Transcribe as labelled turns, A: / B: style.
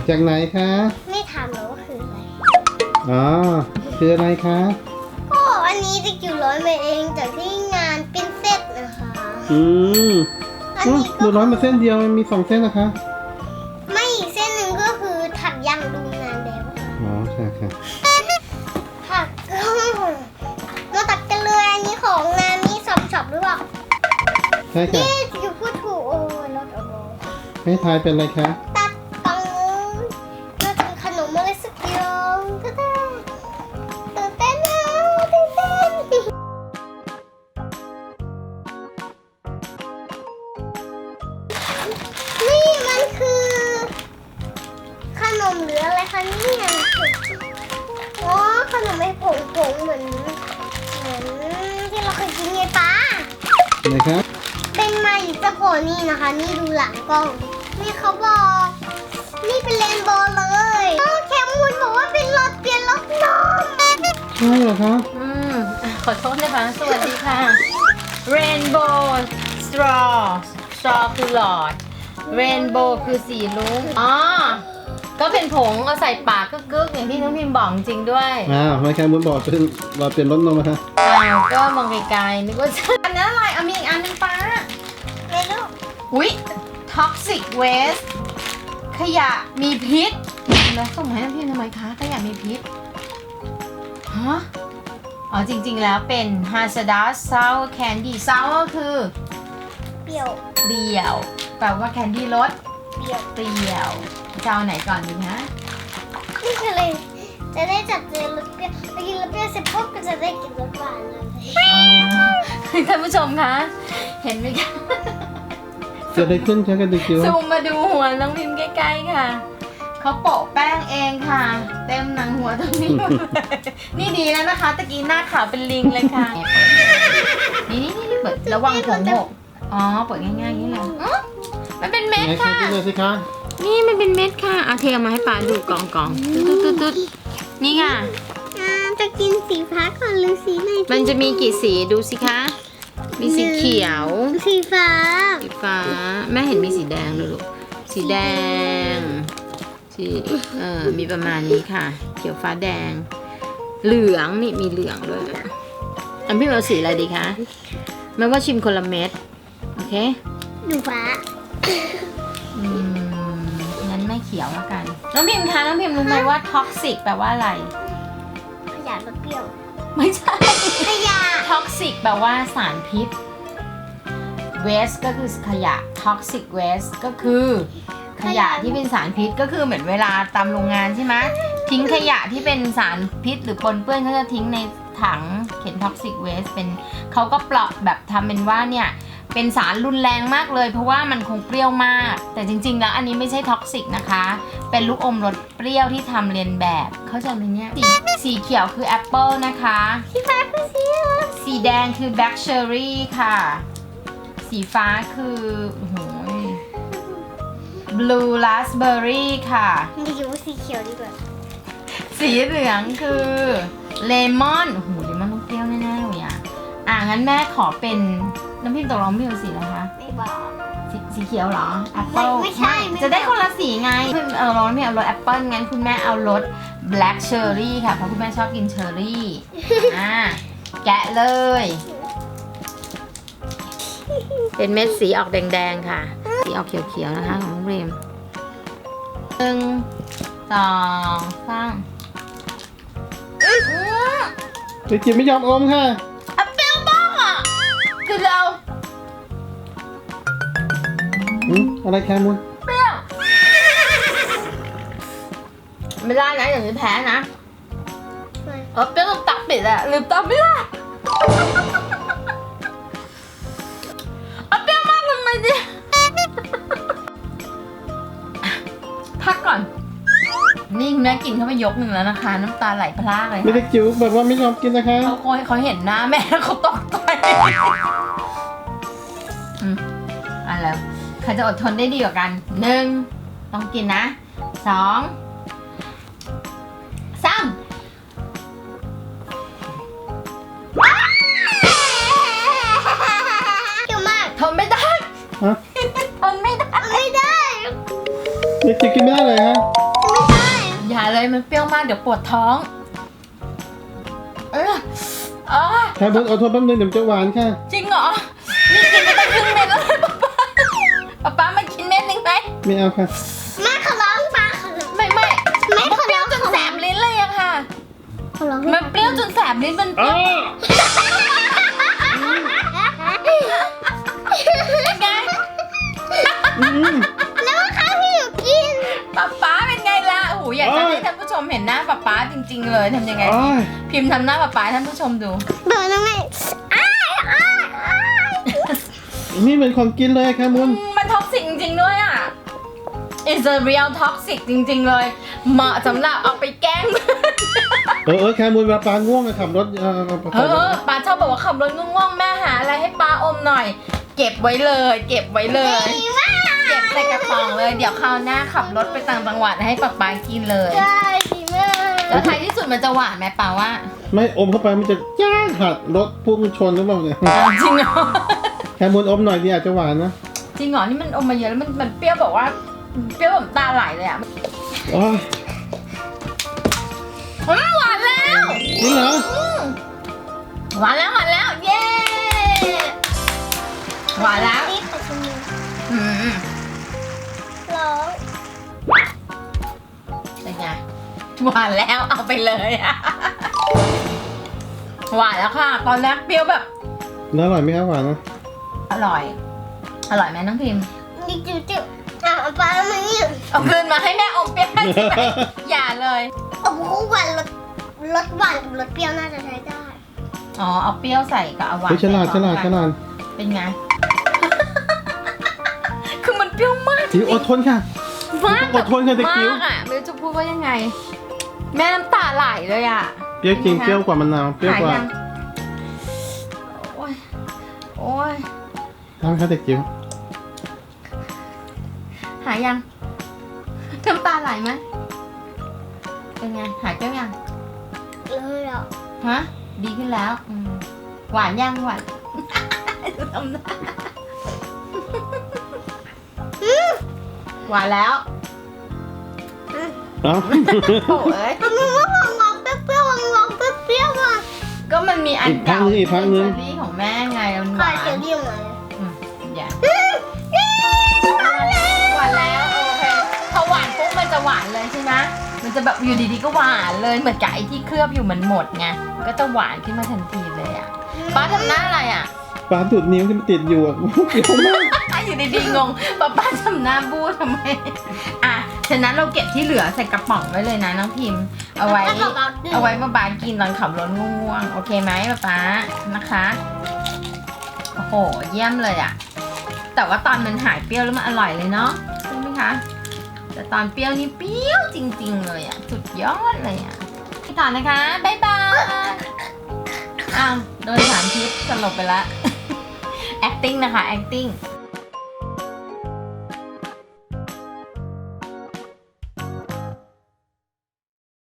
A: จากไหนคะ
B: ไม่ถามหรอกว่าคืออะไร
A: อ๋อคืออะไรคะ
B: โอ้อันนี้จะอยู่ร้อยมาเองจากที่งานเป็นเซตนะคะ
A: อืม
B: อันนี้
A: ดูร้อยมาเส้นเดียวมันมี2เส้นนะคะ
B: ไม่อีกเส้นหนึ่งก็คือถักยางดูงานแล้วค่ะ
A: อ๋อใช่ค่ะ
B: ถักมาตัดกันเลยอันนี้ของงานนี้ช็อปหรือเปล่า
A: ใช่ค่ะ
B: เย้อยู่พูดถูกโอ้ยรถโอ้โห
A: ให้ทายเป็นอะไรคะ
B: ตัดตังน่าจะเป็นขนมอะไรสักอย่างตื่นเต้นตื่นเต้นนะตื่นเต้นนี่มันคือขนมหรืออะไรคะเนี่ยอ๋อขนมไอ้ผงเหมือนที่เราเคยกินไงป้า
A: ไหนคะ
B: เป็นมาอยู่จะโผล่นี่นะคะ นี่ดูหลังกล้อง นี่เขาบอก นี่เป็นเรนโบว์เลยโอ้แคมูนบอกว่าเป็นรถเปลี่ยนรถนม
A: ใช่เหรอคะ
C: ขอโทษนะคะ สวัสดีค่ะ Rainbow Straw Straw คือหลอด Rainbow คือสีรุ้งอ๋อ ก็เป็นผงเอาใส่ปากกึกๆอย่างที่น้องพิมพ์บอกจริงด้วย
A: ไม่แค่บุญบอกเป็นเราเป็นรถนมนะคะ
C: ก็มองไกลๆนึกว่าอันนั้นอะไรเอามีอีกอันหนึงป้า
B: ไม่รู้
C: อุ๊ย Toxic Waste ขยะมีพิษแล้วส่งมาให้น้องพิมพ์ทำไมคะขยะมีพิษฮะอ๋อจริงๆแล้วเป็น Hazardous Sour Candy Sour คือ
B: เปรี้ยว
C: เปรี้ยวแปลว่าแคนดี้รส
B: เปรี้ยว
C: เปรี้ยวจะเอาไหนก่อนดีฮะ
B: นี่คืออะไรจะได้จัดเจนรสเปรี้ยวไปกินรสเปรี้ยวเสร็จปุ๊บก็จะได้กินรสหวานเลย
C: ท่านผู้ชมคะ เห็นไหมคะ
A: เกิดอะไรขึ้นคะกันดิคิว
C: ซูมมาดูหัวน้องพิมพ์ใกล้ๆค่ะ เขาโปะแป้งเองค่ะ เต็มหนังหัวตรงนี้หมดเลยนี่ดีแล้วนะคะตะกี้หน้าขาวเป็นลิงเลยค่ะ นี่เปิดระวังผมหกอ๋อเปิดง่ายๆอย่างนี้เลยอ๋อมันเป็นเม็ด
A: ไหนคะ
C: ค่ะ
A: กินเลยสิคะ
C: นี่มันเป็นเม็ดค่ะเอาเทมาให้ป้าดูกล่องตุ๊ดนี่ค่ะ
B: จะกินสีฟ้าก่อนหรือสีไหน
C: มันจะมีกี่สีดูสิคะ มีสีเขียว
B: สีฟ้า
C: สีฟ้า แม่เห็นมีสีแดงด้วยลูก สีแดง สีมีประมาณนี้ค่ะ เขียวฟ้าแดง เหลืองนี่มีเหลืองด้วยอันพี่เอาสีอะไรดีคะแม่ว่าชิมคนละเม็ด โอเค
B: หนูฟ้า
C: งั้นไม่เขียวแล้วกัน น้องพิมพ์คะ น้องพิมพ์รู้ไหมว่าท็อกซิกแปลว่าอะไร
B: ขยะรสเปรี้ยว
C: ไม่ใช่
B: ขยะ
C: ท็อกซิกแปลว่าสารพิษ waste ก็คือขยะ toxic waste ก็คือขยะที่เป็นสารพิษก็คือเหมือนเวลาตามโรงงานใช่ไหมทิ้งขยะที่เป็นสารพิษหรือปนเปื้อนเขาจะทิ้งในถังเขียน toxic waste เป็นเขาก็เปราะแบบทำเป็นว่าเนี่ยเป็นสารรุนแรงมากเลยเพราะว่ามันคงเปรี้ยวมาก แต่จริงๆแล้วอันนี้ไม่ใช่ท็อกซิกนะคะ เป็นลูกอมรสเปรี้ยวที่ทำเรียนแบบเข้าใจไหมเนี่ยสีเขียวคือแอปเปิลนะคะ
B: สีฟ้าคือสีอะไร
C: สีแดงคือ black cherry ค่ะ สีฟ้าคือโอ้โห blue raspberry ค่ะ
B: ดีอยู่ว่าสีเขียวดีกว่า
C: สีเหลืองคือ lemon โอ้โห เลมอนต้องเปรี้ยวแน่ๆเลยอ่ะงั้นแม่ขอเป็นน้ำพิมพ์ตกลงพี่เอาสีอะไรคะ
B: ไม่บอก
C: สีเขียวเหรอ apple
B: ไม่ใช่ไม่
C: จะได้คนละสีไงคุณเอารสไม่เอารส apple งั้นคุณแม่เอารส black cherry ค่ะ เพราะคุณแม่ชอบกินเชอร์รี่แกะเลย เป็นเม็ดสีออกแดงๆค่ะ สีออกเขียวๆนะคะของน้องเรม1 2 3
A: ดิคิวไม่ยอมอมค่ะ
C: เปรี้ยวมากอ่ะคือเรา
A: อะไรคะมุน
C: เปรี้ยวไม่ได้นะอย่างนี้แพ้นะเปรี้ยวต้องตักปิดอะลืมตักไม่ได้เปรี้ยวมากทำไมดิพักก่อนนี่แม่กินเข้าไปยกหนึ่งแล้วนะคะน้ำตาไหลพรากเลย
A: ไม่ได้จิ๋วแบบว่าไม่ยอมกินนะคะ
C: เขาเห็นหน้าแม่แล้วเขาตกใจแล้วใครจะอดทนได้ดีกว่ากัน1ต้องกินนะ2 3
B: เกี่ยวมาก
C: ทนไม่ได้
A: ฮะ
C: ทนไม่ได้
B: ไม่ได้
A: ดิคิวกินไม่ได้เลยฮะ
B: หนู
C: เลยมันเปรี้ยวมากเดี๋ยวปวดท้องอ๋อ
A: แคมูลอดทนแป๊บนึงเดี๋ยวมันจะหวานค่ะ
C: จริงเหรอนี่กินไปตั้งครึ่งเม็ดแล้วป๊ามากินเม็ดหนึ่งไหม
A: ไม่เอาค่ะ
B: แม่ขอร้องป้าขอร้อง
C: ไม่
B: แม่ขอ
C: เปรี้
B: ร้
C: ย
B: อ
C: ว
B: ง
C: จนแสบลิ้นเลยอะค่ะ
B: ขอร้อง
C: มันเปรี้ยวจนแสบลิ้นมันเปรี้ยวเป็นไง
A: อืม
B: แล้วว่าข้าวที่หนูกิน
C: ป๊าเป็นไงล่ะโอ้โหอยากจะให้ท่านผู้ชมเห็นหน้าป๊าจริงๆเลยทำยังไง
A: โอ้ย
C: พิมพ์ทำหน้าป๊าให้ท่านผู้ชมดู
B: เดินยังไงอ้ายอ้ายอ้าย
A: นี่เหมือนของกินเลยแคมูล
C: มันท็อกซิกจริงๆด้วยอ่ะ It's a real toxic จริงๆเลย เหมาะสำหรับเอาไปแกล้ง
A: แคมูลเวลาปลาง่วงอะขับรถ
C: ป้าชอบบอกว่าขับรถง่วงๆแม่หาอะไรให้ป้าอมหน่อย เก็บไว้เลย เก็บไว้เลย
B: ดีมาก
C: เก็บใส่กระป๋องเลย เดี๋ยวคราวหน้าขับรถไปต่างจังหวัดให้ป๊ากินเลย
B: ใช่ดีมาก
C: แล้วท้ายที่สุดมันจะหวานไหมป้าว่า
A: ไม่อมเข้าไปมันจะจ้าหัดรถพุ่งชนหรือเปล่าเนี่ย
C: จริงเหรอ
A: แคมูลอมหน่อยดีอาจจะหวานนะ
C: จริงเหรอนี่มันอมมาเยอะแล้วมันเปรี้ยวแบบว่าเปรี้ยวแบบตาไหลเลยอ่ะ
A: โอ้ย
C: หวานแล้ว
A: จริงเหรอ
C: หวานแล้วเย้หวานแล้ว
B: นี่ขอชิมดู
C: อืม
B: ร้อง
C: เป็นไงหวานแล้วเอาไปเลยอะหวานแล้วค่ะ ตอนแรกเปรี้ยวแบบ
A: แล้วอร่อยไหมครับหวานนะ
C: อร่อยไหมน้องพิมพ์
B: นี่จิ๊บเอาปลามานี่
C: เอาคืนมาให้แม่อมเปรี้ยวใช่ไหมอย่าเลย
B: โอ้โหหวานรสหวานกับรสเปรี้ยวน่าจะใช้ได้
C: อ๋อเอาเปรี้ยวใส่กับเอาหวาน
A: เฮ้ยฉลาด
C: ใส่พร้อมกัน
A: ฉลาด
C: เป็นไง คือมันเปรี้ยวมากจ
A: จิ๋
C: ริ
A: ว
C: ง
A: อดทนค่ะ
C: มาก
A: อดทนค่ะเด็กจิ๋ว
C: มากอ่ะไม่รู้จะพูดว่ายังไง แม่น้ำตาไหลเลยอ่ะ
A: เปรี้ยวจริงเปรี้ยวกว่ามะนาวเปรี้ยวกว่า
C: หยังโอ้ย
A: ทำค่ะเด็กจิ๋ว
C: หายยังน้ำตาไหลไหมเป็นไงหายเปรี้ยวยัง
B: เลยอ่ะ
C: ฮะดีขึ้นแล้วหวานยังหวาน ดูทำหน้าหวานแล้ว
A: เอ้า
C: โอ้ย
B: มันว่างองเปรี้ยวๆงองเปรี้ยวๆอ่ะ
C: ก็มันมีอันเก่า
A: อีกพักนึง
C: เชอรี่ของแม่ไงมันห
B: ขาว
C: าน
B: เขียวเรียวมา
C: อย่าหวานแล้วโอเคพอหวานปุ๊บมันจะหวานเลยใช่ไหมมันจะแบบอยู่ดีๆก็หวานเลยเหมือนกับไอ้ที่เคลือบอยู่มันหมดไงก็จะหวานขึ้นมาทันทีเลยอ่ะป้าทำหน้าอะไรอ่ะ
A: ปลาดูดนิ้วที่มันติดอยู่อะเปรี้ยวมาก
C: อยู่ดีๆงงป้าทำหน้าบู้ทำไมอ่ะฉะนั้นเราเก็บที่เหลือใส่กระป๋องไว้เลยนะน้องพิมพ์เอาไว้ป้ากินตอนขับรถง่วงๆโอเคไหมป้านะคะโอ้โหเยี่ยมเลยอ่ะแต่ว่าตอนมันหายเปรี้ยวแล้วมันอร่อยเลยเนาะใช่ไหมคะแต่ตอนเปรี้ยวนี่เปรี้ยวจริงๆเลยอ่ะสุดยอดเลยอ่ะพี่ต่อนะคะบ๊ายบายอ้าวโดนสารพิษสลบไปละ acting นะคะ acting